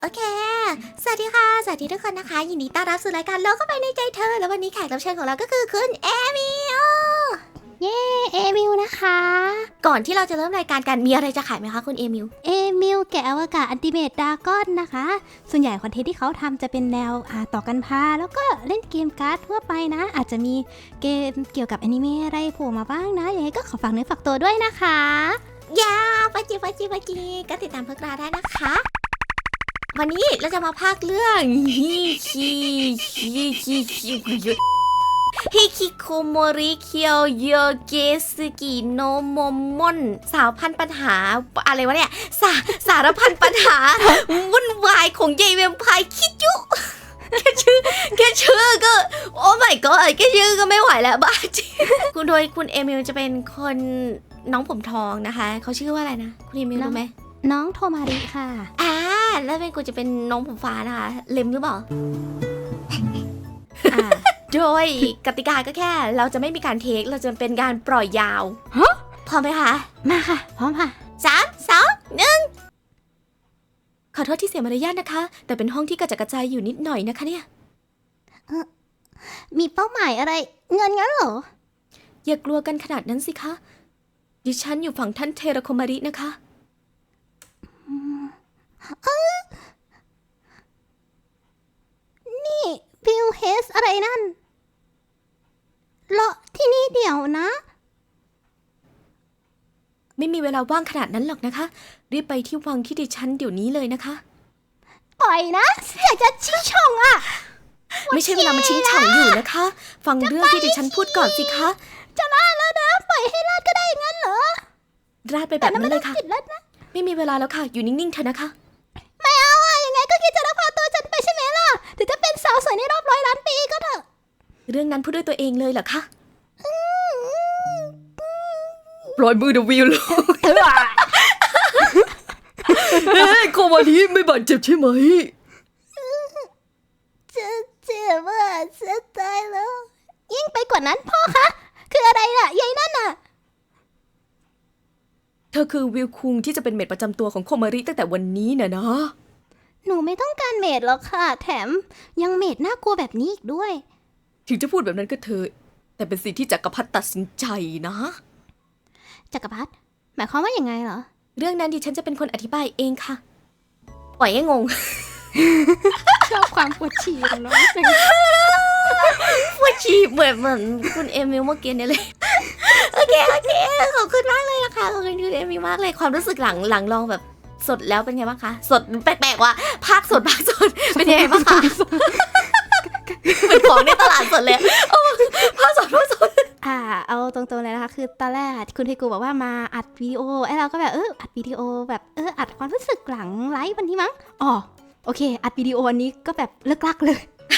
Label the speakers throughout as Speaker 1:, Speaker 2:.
Speaker 1: โอเค สวัสดีค่ะ สวัสดีทุกคนนะคะ ยินดีต้อนรับสู่รายการโลกเข้าไปในใจเธอ แล้ววันนี้แขกรับเชิญของเราก็คือคุณเอมิโอเย้เอมิลนะคะ ก่อนที่เราจะเริ่มรายการกัน มีอะไรจะขายไหมคะคุณเอมิล
Speaker 2: แกะอวกาศอันติเมตดากอนนะคะ ส่วนใหญ่คอนเทนต์ที่เขาทำจะเป็นแนวต่อกันพาแล้วก็เล่นเกมการ์ดทั่วไปนะ อาจจะมีเกมเกี่ยวกับอนิเมะอะไรโผล่มาบ้างนะยังไงก็ขอฝากเนื้อฝากตัวด้วยนะคะ
Speaker 1: ยาปะจิก็ติดตามพวกเราได้นะคะ วันนี้เราจะมาพากย์เรื่องฮิคิโคโมริเคียวโยเกสึกิโนโมมอนสาวพันปัญหาอะไรวะเนี่ยสารพันปัญหาวุ่นวายของยายแวมไพร์คิจุแค่ชื่อก็โอ้ my god แค่ชื่อก็ไม่ไหวแล้วบ้าจริงคุณเอมิลจะเป็นคนน้องผมทองนะคะเขาชื่อว่าอะไรนะคุณเอมิลรู้ไหม
Speaker 2: น้องโทมาริค่ะ
Speaker 1: แล้วเป็นกูจะเป็นน้องผมฟ้านะคะเล็มหรือเปล่าโดยกติกาก็แค่เราจะไม่มีการเทคเราจะเป็นการปล่อยยาวพร้อมไหมคะ
Speaker 2: มาค่ะพร้อมค่ะ
Speaker 1: 3 2 1ขอโทษที่เสียมารยาทนะคะ แต่เป็นห้องที่กระจัดกระจายอยู่นิดหน่อยนะคะเนี่ย
Speaker 2: มีเป้าหมายอะไรเงินงั้นเหรอ
Speaker 1: อย่ากลัวกันขนาดนั้นสิคะดิฉันอยู่ฝั่งท่านเทราโคมารินะคะ
Speaker 2: นี่บิลเฮสอะไรนั่นเลาะที่นี่เดี๋ยวนะ
Speaker 1: ไม่มีเวลาว่างขนาดนั้นหรอกนะคะรีบไปที่วังที่ดิฉันเดี๋ยวนี้เลยนะคะ
Speaker 2: ปล่อยนะอยากจะชิงช่องอ่ะ
Speaker 1: ไม่ใช่เวลามาชิงช่องอยู่นะคะฟังเรื่องที่ดิฉันพูดก่อนสิคะ
Speaker 2: จะลาดแล้วนะปล่อยให้ลาดก็ได้งั้นเหรอ
Speaker 1: ราดไปแบบนั้นเลยค่ะไม่มีเวลาแล้วค่ะอยู่นิ่งๆเถอะนะคะ
Speaker 2: ไม่เอาอะยังไงก็คิดจะลักพาตัวฉันไปใช่ไหมล่ะถึงจะเป็นสาวสวยในรอบ100 ล้านปีก็เถอะ
Speaker 1: เรื่องนั้นพูดด้วยตัวเองเลยเหรอคะปล่อยมือเดวิลเลยโคมาริไม่บาดเจ็บใช่ไหม
Speaker 2: จะเจ็บอ่ะจะตายแล้วยิ่งไปกว่านั้นพ่อคะคืออะไรล่ะยายนั่นน่ะ
Speaker 1: เธอคือวิลคุงที่จะเป็นเมดประจำตัวของโคมาริตั้งแต่วันนี้นะ
Speaker 2: หนูไม่ต้องการเมดหรอกค่ะแถมยังเมดน่ากลัวแบบนี้อีกด้วย
Speaker 1: ถึงจะพูดแบบนั้นก็เธอแต่เป็นสิ่งที่จักรพรรดิตัดสินใจนะ
Speaker 2: จักรพรรดิหมายความว่าอย่างไงเหรอ
Speaker 1: เรื่องนั้นดิฉันจะเป็นคนอธิบายเองค่ะปล่อยให้งง
Speaker 2: ชอบความปวดฉี่ของน้องจัง
Speaker 1: ปวดฉี่เหมือนคุณเอมิลเมื่อกี้เนี่ยเลยโอเคขอบคุณมากเลยนะคะขอบคุณคุณเอมิลมากเลยความรู้สึกหลังลองแบบสดแล้วเป็นไงบ้างคะสดแปลกๆว่ะภาคสดเป็นยังไงบ้างคะเป็นของในตลาดสดเลยภาคสด
Speaker 2: เอาตรงๆเลยนะคะคือตอนแรกคุณเทกูบอกว่ามาอัดวิดีโอไอ้เราก็แบบอัดวิดีโอแบบอัดความรู้สึกหลังไลฟ์วันนี้มั้งอ๋อโอเคอัดวิดีโอวันนี้ก็แบบเลิกลักเลย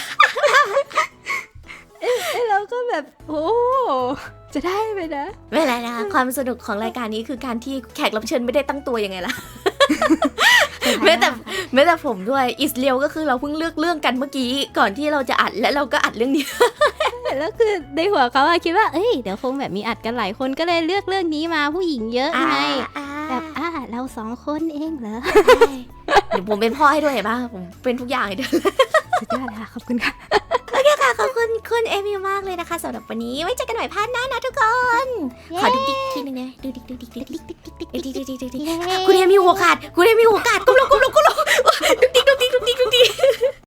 Speaker 2: เราก็แบบโอ้จะได้ไหมนะ
Speaker 1: ไม่เป็นไรนะคะความสนุกของรายการนี้คือการที่แขกรับเชิญไม่ได้ตั้งตัวยังไงล่ะแม้แต่ผมด้วยอิสเลียวก็คือเราเพิ่งเลือกเรื่องกันเมื่อกี้ก่อนที่เราจะอัดและเราก็อัดเรื่องนี้
Speaker 2: แล้วคือในหัวเขาคิดว่าเดี๋ยวคงแบบมีอัดกันหลายคนก็เลยเลือกเรื่องนี้มาผู้หญิงเยอะไงแบบเรา2 คนเองเหรอ
Speaker 1: เดี๋ยวผมเป็นพ่อให้ด้วยเห็นป่ะผมเป็นทุกอย่างให้ด้วย
Speaker 2: สุดยอดเลยค่ะขอบคุณค่ะ
Speaker 1: โอเคค่ะขอบคุณคุณเอมิลมากเลยนะคะสำหรับวันนี้ไว้เจอกันใหม่พาร์ทหน้านะทุกคนขอดูดิ๊กทีนึงนะดูดิ๊กคุณเอมิลหัวขาดก้มลงดูดิ๊ก